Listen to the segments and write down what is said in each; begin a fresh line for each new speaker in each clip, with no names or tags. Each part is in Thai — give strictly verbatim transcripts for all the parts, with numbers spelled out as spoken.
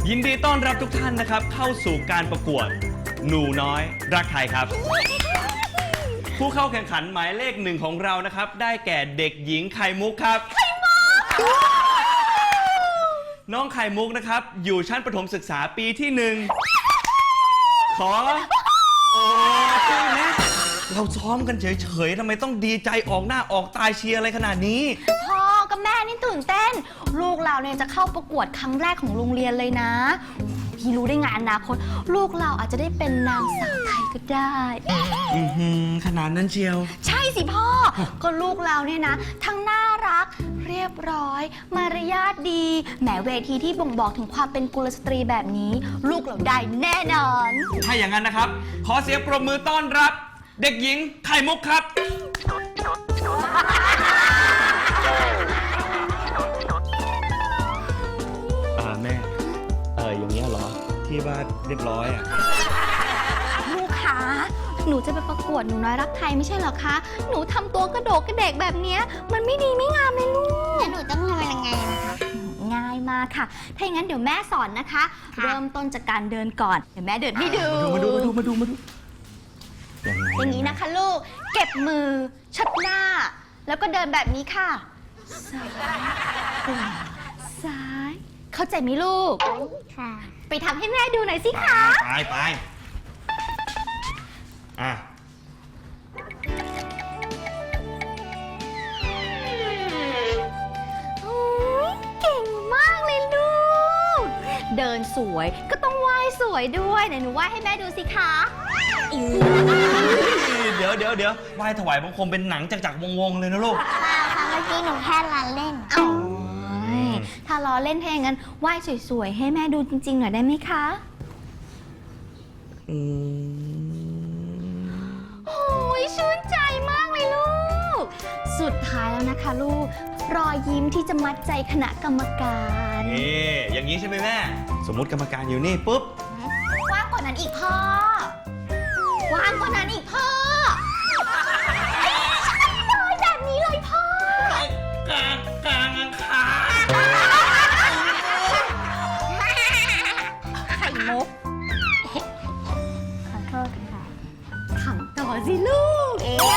ยินดีต้อนรับทุกท่านนะครับเข้าสู่การประกวดหนูน้อยรักไทยครับ ผู้เข้าแข่งขันหมายเลขหนึ่งของเรานะครับได้แก่เด็กหญิงไข่มุกครับไข่มุกน้องไข่มุกนะครับอยู่ชั้นประถมศึกษาปีที่หนึ่งขอโอ้ยนะเราซ้อมกันเฉยๆทำไมต้องดีใจออกหน้าออกตาเชียร์อะไรขนาดนี้
พ่อกับแม่นี่ตื่นเต้นลูกเราเนี่ยจะเข้าประกวดครั้งแรกของโรงเรียนเลยนะพี่รู้ได้ไงอนาคตลูกเราอาจจะได้เป็นนางสาวไทยก็ได้
อือหือขนาดนั้นเชียว
ใช่สิพ่อก็ลูกเราเนี่ยนะทั้งน่ารักเรียบร้อยมารยาทดีแหมเวทีที่บ่งบอกถึงความเป็นกุลสตรีแบบนี้ลูกเราได้แน่นอน
ถ้าอย่างนั้นนะครับขอเสียงปรบมือต้อนรับเด็กหญิงไข่มุกครับอ่าแม่เอออย่างเงี้ยเหรอที่ว่าเรียบร้อยอ่ะ
ลูกคะหนูจะไปประกวดหนูน้อยรักไทยไม่ใช่เหรอคะหนูทำตัวกระโดดกระเดกแบบเนี้ยมันไม่ดีไม่งามเลยลูกแล้วหนูต้องทำยังไงนะคะง่ายมากค่ะถ้าอย่างนั้นเดี๋ยวแม่สอนนะคะเริ่มต้นจากการเดินก่อนเดี๋ยวแม่เดินให้ดู
มาดูมาดูมาดูมาดู
อย่างนี้นะคะลูกเก็บมือชัดหน้าแล้วก็เดินแบบนี้ค่ะซ้ายขวาซ้ายเข้าใจไหมลูกค่ะไปทำให้แม่ดูหน่อยสิคะ
ไปไปอ่ะ
เก่งมากเลยลูกเดินสวยก็ต้องไหว้สวยด้วยไหนหนูไหว้ให้แม่ดูสิคะ
เดี๋ยวเดี๋ยวเดี๋ยวไหว้ถวายบังคมเป็นหนังจากจากวงวงเลยนะลูก
ค่ะเมื่อกี้หนูแค่ล้อเล่นถ้าล้อเล่นแทงงั้นไหว้สวยๆให้แม่ดูจริงๆหน่อยได้ไหมคะอืมโอ้ยชื่นใจมากเลยลูกสุดท้ายแล้วนะคะลูกรอยยิ้มที่จะมัดใจคณะกรรมการ
นี่อย่างนี้ใช่ไหมแม่สมมุติกรรมการอยู่นี่ปุ๊บ
กว้างกว่านั้นอีกพ่อกว้างกว่านั้นอีกพ่อใช่เลยแบบนี้เลยพ่อก
ลางกลางขา
ไข่มุกขอโทษค่ะขำต่อสิลูกเอ๊ะ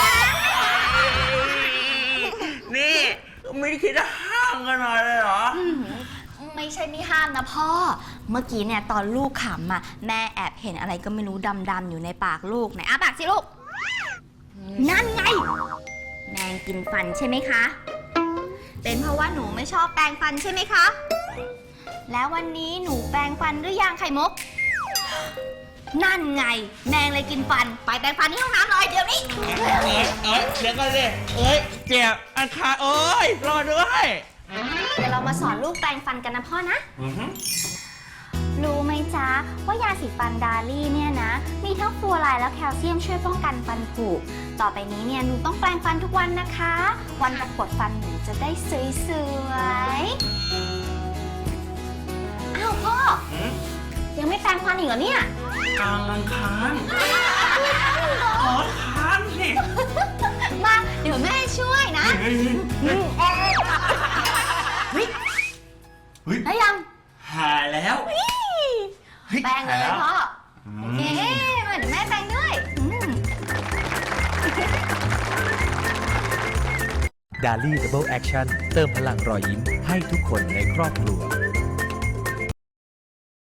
นี่ไม่ได้คิดจะห้ามกันหน่อยเลยเหรอ
ไม่ใช่ไม่ห้ามนะพ่อเมื่อกี้เนี่ยตอนลูกขำอ่ะแม่แอบเห็นอะไรก็ไม่รู้ดำๆอยู่ในปากลูกไหนอ้าปากสิลูกนั่นไงแมงกินฟันใช่ไหมคะเป็นเพราะว่าหนูไม่ชอบแปรงฟันใช่ไหมคะแล้ววันนี้หนูแปรงฟันหรือยังไข่มุกนั่นไงแมงเลยกินฟันไปแปรงฟันที่ห้องน้ำเลยเดี๋ยวนี้
เอ๊ะเอ๊ะเดี๋ยวก่อนสิเอ้ยเจ็บอันขาเอ้ยรอด้วย
เดี๋ยวเรามาสอนลูกแปรงฟันกันนะพ่อนะรู้ไหมจ๊ะว่ายาสีฟันดาลี่เนี่ยนะมีทั้งฟลูออไรด์และแคลเซียมช่วยป้องกันฟันผุต่อไปนี้เนี่ยหนูต้องแปรงฟันทุกวันนะคะวันประกวดฟันหนูจะได้สวยๆอ้าวพ่อยังไม่แปรงฟันอีกเหรอเนี่ย
กลางอังคารขอทานสิ
มาเดี๋ยวแม่ช่วยนะได้ยัง
หายแล้ว
แปรงเลยพ่อโอเคมาเดี๋ยวแม่แปรงด้วย
ดาลี่ดับเบิลแอคชั่นเติมพลังรอยยิ้มให้ทุกคนในครอบครัว